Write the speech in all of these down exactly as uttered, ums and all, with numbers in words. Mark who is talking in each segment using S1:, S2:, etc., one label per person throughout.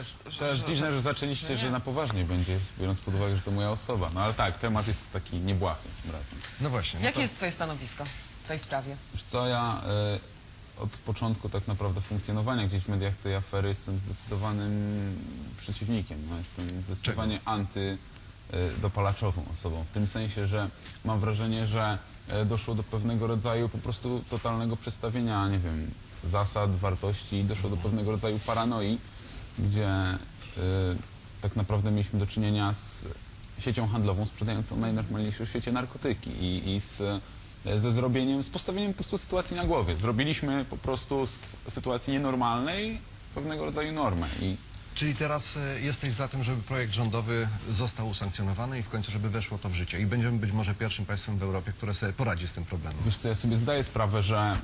S1: że,
S2: To jest
S1: że,
S2: dziwne, że zaczęliście,
S1: że
S2: że
S1: nie.
S2: na poważnie będzie, biorąc pod uwagę, że to moja osoba. No ale tak, temat jest taki niebłahy tym razem.
S3: No właśnie. No
S1: Jakie
S3: to...
S1: jest twoje stanowisko w tej sprawie?
S2: Wiesz co, ja y, od początku tak naprawdę funkcjonowania gdzieś w mediach tej afery jestem zdecydowanym przeciwnikiem. No, jestem zdecydowanie antydopalaczową osobą. W tym sensie, że mam wrażenie, że y, doszło do pewnego rodzaju po prostu totalnego przestawienia, nie wiem, zasad, wartości, doszło do pewnego rodzaju paranoi, gdzie y, tak naprawdę mieliśmy do czynienia z siecią handlową sprzedającą najnormalniejsze w świecie narkotyki i, i z, ze zrobieniem, z postawieniem po prostu sytuacji na głowie. Zrobiliśmy po prostu z sytuacji nienormalnej pewnego rodzaju normę. I
S3: Czyli teraz y, jesteś za tym, żeby projekt rządowy został usankcjonowany i w końcu, żeby weszło to w życie. I będziemy być może pierwszym państwem w Europie, które sobie poradzi z tym problemem.
S2: wiesz co, ja sobie zdaję sprawę, że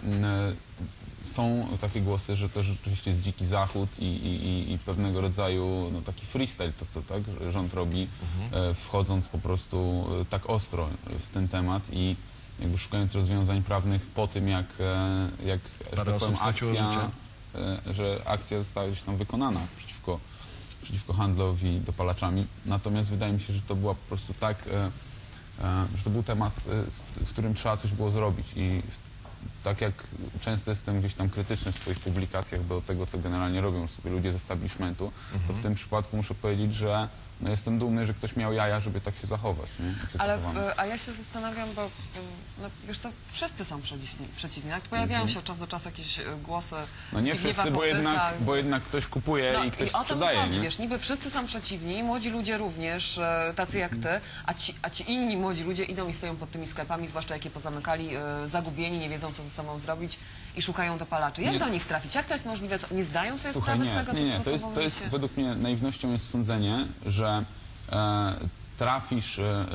S2: y, są takie głosy, że to rzeczywiście jest dziki zachód i, i, i pewnego rodzaju no, taki freestyle, to co tak, że rząd robi,
S3: Mhm.
S2: y, wchodząc po prostu y, tak ostro w ten temat i jakby szukając rozwiązań prawnych po tym, jak, e, jak że
S3: Parę
S2: tak powiem,
S3: osób straciło
S2: akcja,
S3: życie.
S2: e, że akcja została gdzieś tam wykonana przeciwko, przeciwko handlowi dopalaczami. Natomiast wydaje mi się, że to była po prostu tak, e, e, że to był temat, e, z, z którym trzeba coś było zrobić i tak jak często jestem gdzieś tam krytyczny w swoich publikacjach do tego, co generalnie robią sobie ludzie z establishmentu, to w tym przypadku muszę powiedzieć, że no jestem dumny, że ktoś miał jaja, żeby tak się zachować. Nie? Jak się
S1: Ale,
S2: zachowano.
S1: y, a ja się zastanawiam, bo y, no, wiesz co, wszyscy są przeciwni. przeciwni. Jak pojawiają się od czasu do czasu jakieś y, głosy
S2: No nie
S1: Zbigniewa
S2: wszyscy, bo
S1: Kołtysa,
S2: jednak, bo jednak ktoś kupuje
S1: No
S2: i ktoś
S1: i o to mi
S2: sprzedaje.
S1: chodzi,
S2: Nie?
S1: wiesz, niby wszyscy są przeciwni, młodzi ludzie również, e, tacy jak ty, a ci, a ci inni młodzi ludzie idą i stoją pod tymi sklepami, zwłaszcza jakie pozamykali, e, zagubieni, nie wiedzą, co ze sobą zrobić i szukają dopalaczy. Jak
S2: Nie.
S1: do nich trafić? Jak to jest możliwe? Co, nie zdają sobie
S2: Słuchaj,
S1: sprawy z
S2: nie,
S1: tego,
S2: nie, nie.
S1: co
S2: To jest,
S1: sobą
S2: to jest
S1: niesie?
S2: według mnie naiwnością jest sądzenie, że e, trafisz e, e,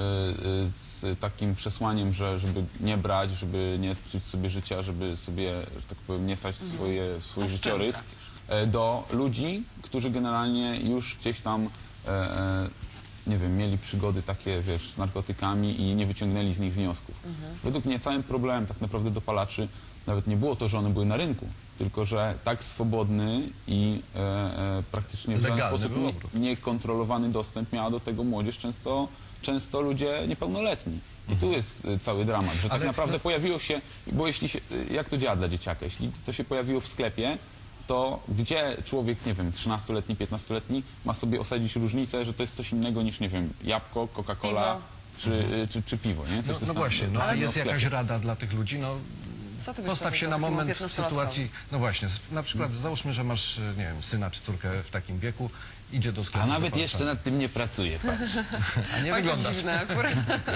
S2: z takim przesłaniem, że żeby nie brać, żeby nie psuć sobie życia, żeby sobie, że tak powiem, nie stać w swoje, w swój
S1: A z czym
S2: życiorys
S1: trafisz?
S2: e, do ludzi, którzy generalnie już gdzieś tam e, e, nie wiem, mieli przygody takie, wiesz, z narkotykami i nie wyciągnęli z nich wniosków. Według mnie całym problemem tak naprawdę dopalaczy nawet nie było to, że one były na rynku, tylko że tak swobodny i e, e, praktycznie w żaden
S3: Legalny
S2: sposób
S3: był
S2: nie,
S3: obrót.
S2: niekontrolowany dostęp miała do tego młodzież, często, często ludzie niepełnoletni. I tu jest e, cały dramat, że tak
S3: Ale-
S2: naprawdę
S3: no-
S2: pojawiło się, bo jeśli się, e, jak to działa dla dzieciaka, jeśli to się pojawiło w sklepie, to gdzie człowiek, nie wiem, trzynastoletni, piętnastoletni ma sobie osadzić różnicę, że to jest coś innego niż, nie wiem, jabłko, Coca-Cola
S1: Piwo.
S2: czy, czy, czy piwo, nie? Coś
S3: No,
S2: to
S3: no
S2: jest
S3: właśnie,
S2: tam-
S3: no, a
S2: tam
S3: jest
S2: w sklepie.
S3: jakaś rada dla tych ludzi? No,
S1: Co ty byś
S3: postaw się
S1: powiedział
S3: na
S1: takiemu
S3: moment w
S1: piętnastolatkowi?
S3: sytuacji, no właśnie, s- na przykład załóżmy, że masz, nie wiem, syna czy córkę w takim wieku, idzie do sklepu.
S2: A nawet
S3: zapala
S2: jeszcze
S3: pan.
S2: nad tym nie pracuję, patrz.
S3: A nie
S1: Oj, to
S3: wyglądasz.
S1: dziwne akurat.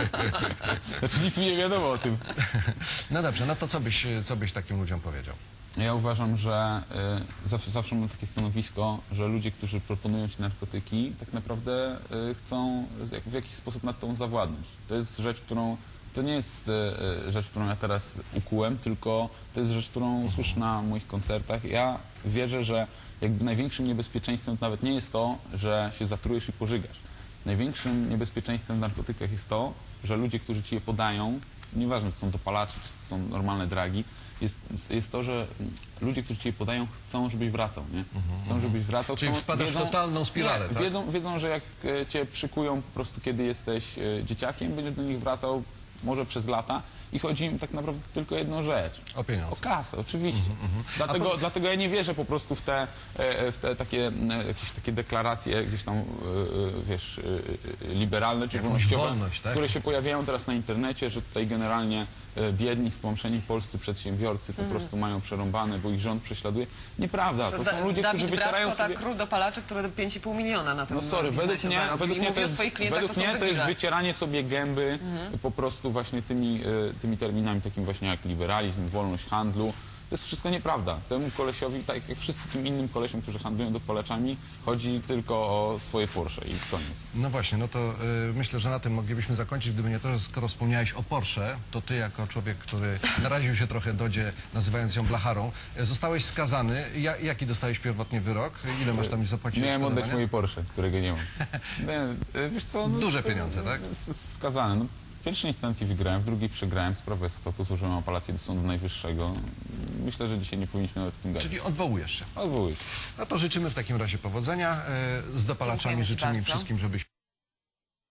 S2: Znaczy nic mi nie wiadomo o tym.
S3: No dobrze, no to co byś, co byś takim ludziom powiedział?
S2: Ja uważam, że y, zawsze, zawsze mam takie stanowisko, że ludzie, którzy proponują ci narkotyki, tak naprawdę y, chcą z- jak, w jakiś sposób nad tą zawładnąć. To jest rzecz, którą, to nie jest y, y, rzecz, którą ja teraz ukułem, tylko to jest rzecz, którą słyszę na moich koncertach. Ja wierzę, że jakby największym niebezpieczeństwem to nawet nie jest to, że się zatrujesz i pożygasz. Największym niebezpieczeństwem w narkotykach jest to, że ludzie, którzy ci je podają, nieważne czy są dopalacze, czy są normalne dragi, jest, jest to, że ludzie, którzy ci je podają, chcą, żebyś wracał, nie? Chcą, żebyś wracał.
S3: Czyli
S2: chcą,
S3: wpadasz w totalną spiralę,
S2: nie,
S3: tak?
S2: wiedzą, wiedzą, że jak e, cię przykują po prostu, kiedy jesteś e, dzieciakiem, będziesz do nich wracał może przez lata i chodzi im tak naprawdę tylko o jedną rzecz.
S3: O pieniądze.
S2: O kasę, oczywiście. Dlatego,
S3: po-
S2: dlatego ja nie wierzę po prostu w te, e, w te takie, e, jakieś takie deklaracje gdzieś tam, e, e, wiesz, e, e, liberalne czy
S3: Jakąś
S2: wolnościowe,
S3: wolność, tak?
S2: które się pojawiają teraz na internecie, że tutaj generalnie e, biedni, spłamszeni polscy przedsiębiorcy po prostu mają przerąbane, bo ich rząd prześladuje. Nieprawda, to
S1: Da-
S2: są ludzie,
S1: Dawid
S2: którzy wycierają
S1: Bratko,
S2: sobie...
S1: tak, król dopalaczy, który pięć i pół miliona na tym
S2: No sorry,
S1: biznesie
S2: według mnie,
S1: zarobił
S2: według
S1: i
S2: mnie,
S1: mówi
S2: to
S1: o
S2: jest,
S1: swoich klientach,
S2: według
S1: to są
S2: mnie to jest
S1: debile.
S2: wycieranie sobie gęby po prostu właśnie tymi, e, tymi terminami takim właśnie jak liberalizm, wolność handlu. To jest wszystko nieprawda. Temu kolesiowi, tak jak wszystkim innym kolesiom, którzy handlują dopalaczami, chodzi tylko o swoje Porsche i koniec.
S3: No właśnie, no to y, myślę, że na tym moglibyśmy zakończyć, gdyby nie to, że skoro wspomniałeś o Porsche, to ty jako człowiek, który naraził się trochę Dodzie, nazywając ją blacharą, y, zostałeś skazany. Ja, jaki dostałeś pierwotnie wyrok? Ile masz tam zapłacić?
S2: Miałem oddać
S3: odszkodowania?
S2: moje Porsche, którego nie mam. Nie, e, wiesz co, no,
S3: Duże pieniądze, tak?
S2: s- Skazany. No, W pierwszej instancji wygrałem, w drugiej przegrałem, sprawa jest w toku, złożyłem apelację do Sądu Najwyższego. Myślę, że dzisiaj nie powinniśmy nawet w tym gadać.
S3: Czyli odwołujesz się.
S2: Odwołuję się.
S3: No to życzymy w takim razie powodzenia. E, Z dopalaczami
S1: Dziękujemy ci
S3: życzymy
S1: bardzo.
S3: wszystkim, żebyś